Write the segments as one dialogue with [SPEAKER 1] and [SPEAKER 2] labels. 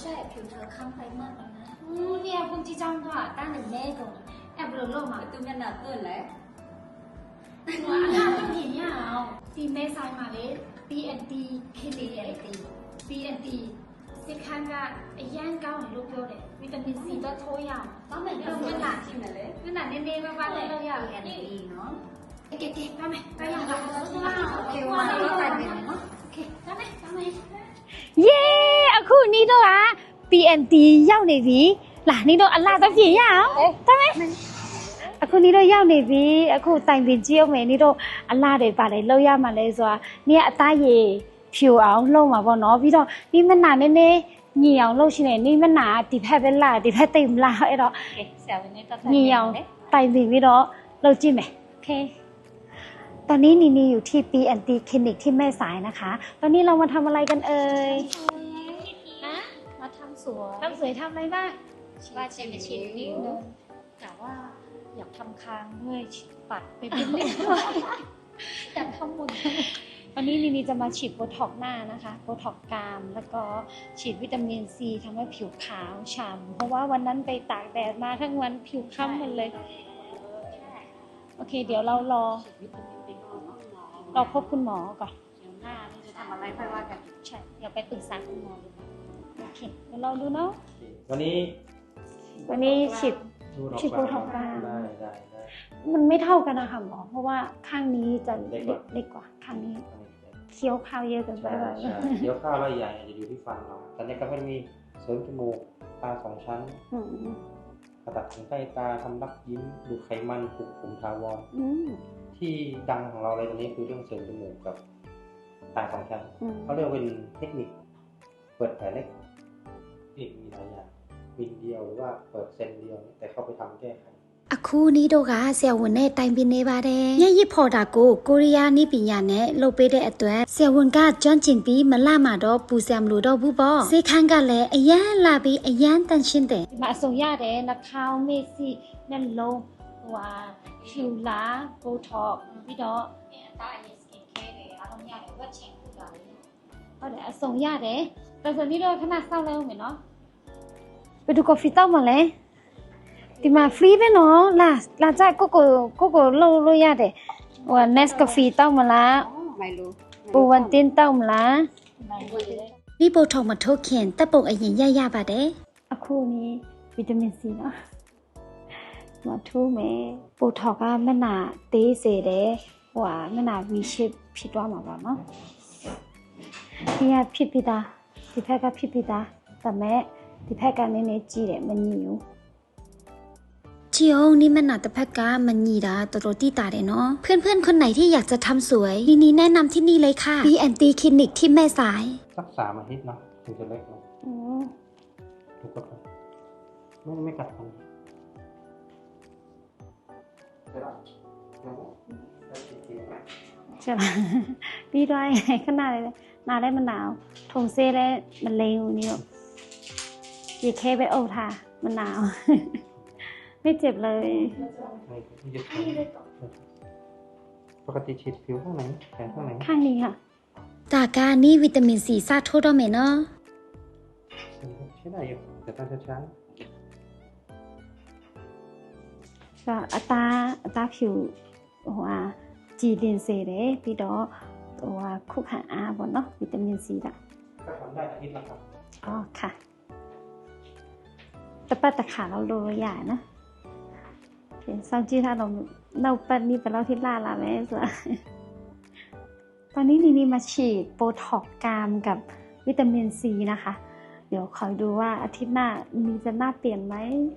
[SPEAKER 1] ช่ผิวเธอค้ำไปมากแล้วนะเนี่ยพวกที่จ้างก็ตั้งหนึ่งแม่ก่อนแอบหลงมาตุ้มยันหนาตื่นแล้วว่าหน้าต้องเห็นยาวตีเมษายมาเลย PNT เคลียร์ PNT สิคันก็ไอ้ย่างเก้าของลูกเดียวเลยวิตามินซีก็โทยาวต้องเหมือนกับเวลาที่มันเลยเวลาเน้นๆมากๆเลยเราอยากเรียนดีเนาะเก๋ๆไปไหมไปอย่างไรโอเคว่าเราไปไหมเนาะโอเคไปไหม
[SPEAKER 2] เย้အခုနီးတော့က PNT ရောက်နေပြီလာနီးတော့အလားတော့ပြင်ရအောင်တမ်းမယ်အခုနီးတော့ရောက်နေပြီအခုတိုင်ပင်ကြည့်အောင်မယ်နီးတော့အလားတွေပါတယ်လောက်ရမှလဲဆိုတာနီးကအသားရည်ဖြူအောင်လှုပ်မှာပေါ့နော်ပြီးတော့နီးမနာနည်းနည်းညီအောင်လှုပ်ရှင်နေနီးမနာဒီဖက်ပဲလာဒီဖက်တိတ်မလာအဲ့တော့ဆရာဝန်နဲ့တက်ညီအောင်တိုင်ပင်ပြီးတော့လှုပ်ကြည့်မယ်โอเคตอนนี้นีอยู่ที่ PNT คลินิกที่แม่สายนะคะตอนนี้เรามาทำอะไรกันเอ่ย
[SPEAKER 1] มาทำสวย
[SPEAKER 2] ทำอะไรบ้าง
[SPEAKER 1] ว่าจะไปฉีดผิวแต่ว่าอยากทำคางด้วยปัดไปเป็นเรื่องอยากทำหมด
[SPEAKER 2] วันนี้นีจะมาฉีดโบท็อกหน้านะคะโบท็อกกรามแล้วก็ฉีดวิตามินซีทำให้ผิวขาวฉ่ำเพราะว่าวันนั้นไปตากแดดมาทั้งวันผิวค้ำหมดเลยโอเคเดี๋ยวเรารอพบคุณหมอก่อน
[SPEAKER 1] เดี๋ยวหน้านี่จะทำอะไรค่อยว่ากัน
[SPEAKER 2] ใช่เดี๋ยวไปปรึกษาคุณหมอดูโอเคเดี๋ยวเราดูเนาะ
[SPEAKER 3] วันนี้
[SPEAKER 2] ฉีดโบท็อกกราม
[SPEAKER 3] ได้
[SPEAKER 2] มันไม่เท่ากันนะคะหมอเพราะว่าข้างนี้จะเล็กกว่าข้างนี้เคี้ยวข้าวเยอะเกินไปแบบ
[SPEAKER 3] เคี้ยวข้าวแล้วใหญ่จะอยู่ที่ฟันเราตอนนี้ก็ไม่มีเสริมจมูกตา2 ชั้นตัดขนใต้ตาทำรักยิ้มดูไขมันปลุกผมทาวรที่ดังของเราเลยตอนนี้คือเรื่องเสริมจมูกกับตา2 ชั้นเขาเรียกเป็นเทคนิคเปิดแผลเล็กอีกมีหลายอย่างวินเดียวหรือว่าเปิดเซนเดียวแต่เข้าไปทำแก้ไข
[SPEAKER 2] အခုနီးတော့ကဆရာဝန်နဲ့တိုင်ပင်နေပါတယ်။မျက်ရည်ဖော်တာကိုရီးယားနည်းပညာနဲ့လုပ်ပေးတဲ့အတွက်ဆရာဝန်ကကျွမ်းကျင်ပြီးမလှမှာတော့ပူဆရာမလို့တော့ဘူးပေါ့။ဈေးခန်းကလည်းအရန်လာပြီးအရန်တန်ရှင်းတယ်။ဒီမှာအစုံရတယ်နှာခေါင်းမေ့စီနှလုံးဖြူလာဘိုထော့ပြီးတော့
[SPEAKER 1] တာအရင် skin care တွေအားလုံးရတယ်ဝက်ချင်ပူတာလေ
[SPEAKER 2] ဟုတ်တယ်အစုံရတယ်။ဒါဆိုနီးတော့ခဏစောင့်လိုက်အောင်မယ်နော်။ဘယ်သူကော်ဖီတောက်မလဲဒီမှာ free ပဲနော်လာကြကိုလို့ရတယ်ဟို Nescafe တောက်မလား
[SPEAKER 1] ไม่รู้
[SPEAKER 2] ပူဝန်တင်းတောက်မလားဒီပို့ထုတ်မထုတ်ခင်တပ်ပုံအရင်ရပါတယ်အခုนี่ဗီတာမင် C နော်မထိုးမယ်ပို့ထောက်ကမျက်နှာသေးစေတယ်ဟိုမျက်နှာ V shape ဖြစ်သွားမှာပါနော်ဒီကဖြစ်ပြီးသားဒီဘက်ကဖြစ်ပြီးသားဒါမဲ့ဒီဘက်ကနည်းနည်းကြီးတယ်မညီဘူးจริงนี่มันหนาแต่แพ็กกามันหยีดาตัวตีตาเด้เนาะเพื่อนๆคนไหนที่อยากจะทำสวยนี่แนะนำที่นี่เลยค่ะ PNT คลินิกที่แม่สาย
[SPEAKER 3] สัก3 อาทิตย์เนาะถึงจะเล็กลงถูกกดไม่กัดฟัน
[SPEAKER 2] ใช่ไหมพี่ด้วยขนาดเลยนาได้มันหนาวทงเซ่ได้มันเลวนี่แบบยีเคไปโอ้ท่ามันหนาวไม่เจ็บเลย
[SPEAKER 3] ปกติฉีดผิวข้างไหนแขนข้างไหน
[SPEAKER 2] ข้างนี้ค่ะจากการนี้วิตามินซีซาโทดอเมเนาะ
[SPEAKER 3] ใช่ได้อยู่แต่ต้องช้า
[SPEAKER 2] ก็อัตราผิวหัวจีดินเซเดพี่ดอตัวคุกหาอาบนเนาะวิตามินซีละ
[SPEAKER 3] ก็ทำได้อาทิตย์ละครับ
[SPEAKER 2] อ๋อค่ะแต่ป้าตะขาเราโรยใหญ่นะsau khiถ้าเราปันนี่เป็นเราที่ล่าละแม่ส่วนตอนนี้นี่มาฉีดโบท็อกกรามกับวิตามินซีนะคะเดี๋ยวคอยดูว่าอาทิตย์หน้ามีจะหน้าเปลี่ยนไหม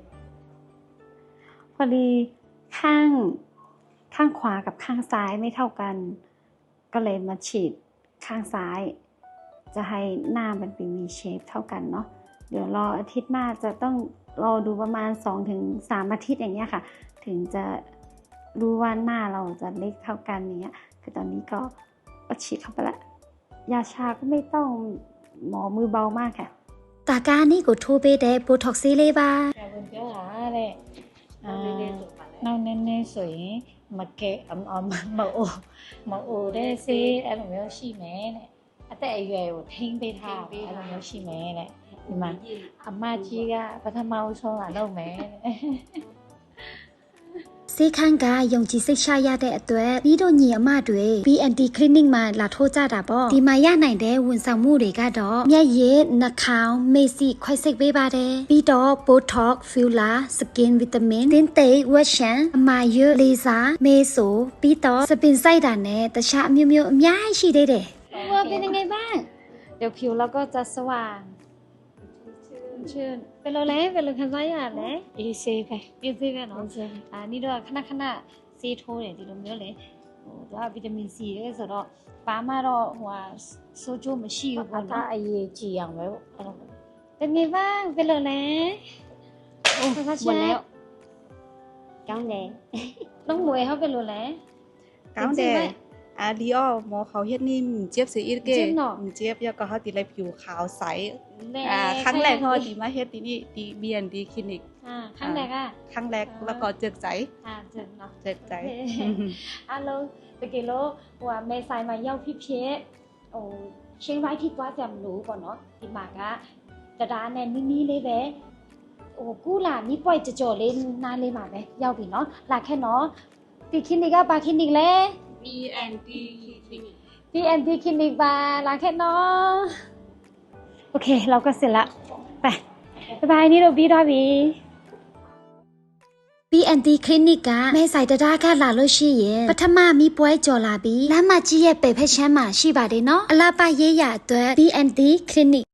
[SPEAKER 2] พอดีข้างขวากับข้างซ้ายไม่เท่ากันก็เลยมาฉีดข้างซ้ายจะให้หน้ามันเป็น V shape เท่ากันเนาะเดี๋ยวรออาทิตย์หน้าจะต้องรอดูประมาณ 2-3 อาทิตย์อย่างเงี้ยค่ะถึงจะรู้ว่าหน้าเราจะเล็กเท่ากันอย่างเงี้ยคือตอนนี้ก็ฉีดเข้าไปละยาชาก็ไม่ต้องหมอมือเบามากค่ะตาการนี่ก็ထိုးပေးတဲ့ Botox ဆေးလေးပါ
[SPEAKER 1] ဆရာဝန်ပြောတာတဲ့နောက်နည်းနည်းဆိုရင်မကဲမအိုတဲ့ဆေးအဲ့လိုမျိုးရှိမယ်တဲ့အသက်အရွယ်ကိုထိန်းပေးထားအဲ့လိုမျိုးရှိမယ်တဲ့
[SPEAKER 4] ဒီမှာအမကြီးကပထမဦးဆုံးလာလုပ်မယ်
[SPEAKER 2] စေခန်းကယုံကြည်စိတ်ချရတဲ့အတွက်ပြီးတော့ညီအမတွေ BNT clinic မှာလာထိုးကြတာပေါ့ဒီမှာရနိုင်တဲ့ဝန်ဆောင်မှုတွေကတော့မျက်ရည်နှာခေါင်းမေ့စီခွဲစိတ်ပေးပါတယ်ပြီးတော့ Botox filler skin vitamin တင်းသိပ်ဝက်ရှန်အမာရွတ်လေစာမေးဆိုပြီးတော့စပင်စိုက်တာနဲ့တခြားအမျိုးမျိုးအများကြီးရှိသေးတယ်ဟိုเป็นยังไงบ้าง
[SPEAKER 4] เดี๋ยวผิวเราก็จะสว่างชื่น
[SPEAKER 2] เป็นလိုလဲเป็นလိုခံစားရလဲ
[SPEAKER 4] အေးဆေးပဲ
[SPEAKER 2] အေးသေးပဲနော်นี่တော့ခဏခဏဆေးထိုးတယ်ဒီလိုမျိုးလေဟိုသူကဗီတာမင် C ရဲဆိုတော့ဘာမှတော့ဟိုဟာဆိုးကျိုးမရှိဘူး
[SPEAKER 4] အ
[SPEAKER 2] ပေါ့
[SPEAKER 4] သား
[SPEAKER 2] နော်
[SPEAKER 4] အရေးကြီးအောင်ပဲအဲ့လို
[SPEAKER 2] เป็นไงบ้างเป็นလိုလဲ
[SPEAKER 4] โอ้หมดแล้ว
[SPEAKER 2] ကောင်းတယ်น้องหมวยเขาเป็นလိုလဲ
[SPEAKER 5] cáo đề lý do màเขาเฮ็ดนี่เจี๊ยบสิอีกเก
[SPEAKER 2] เจี๊ยบเนาะ
[SPEAKER 5] เจี๊ยบแล้วก็เขาติเลยผิวขาวใส
[SPEAKER 2] แน่
[SPEAKER 5] ครั้งแรกเขาติมาเฮ็ดที่นี่ที่ B&D คลินิก
[SPEAKER 2] ครั้งแรกอ่ะ
[SPEAKER 5] ครั้งแรกแล้วก็เจิกใจ
[SPEAKER 2] เจ๋งเนาะ
[SPEAKER 5] เจิกใจ
[SPEAKER 2] အားလုံးတကယ်လို့ဟိုကမဲဆိုင်မှာရောက်ဖြစ်ဖြစ်ဟိုချင်းပိုင်းထိသွားကြမလို့ပေါ့နော်ဒီမှာကတရားနဲ့နီးနီးလေးပဲဟိုကူလာနီးပွိုက်ကြော်လေးနားလေးမှာပဲရောက်ပြီနော်လာခဲ့နော်ဒီคลินิกကဘာคลินิกလဲ
[SPEAKER 5] B&D คลินิก
[SPEAKER 2] BNT คลินิกပါလာခဲ့နော်โอเคเราก็เสร็จละไปบ๊ายบายนี่เราပြီးသွားပြီ BNT คลินิกကမဲဆိုင်တရားကလာလို့ရှိရင်ပထမမီးပွဲကြော်လာပြီးလမ်းမကြီးရဲ့ပေဖက်ချမ်းမှာရှိပါတယ်နော်အလားပါရေးရအတွက် BNT คลินิก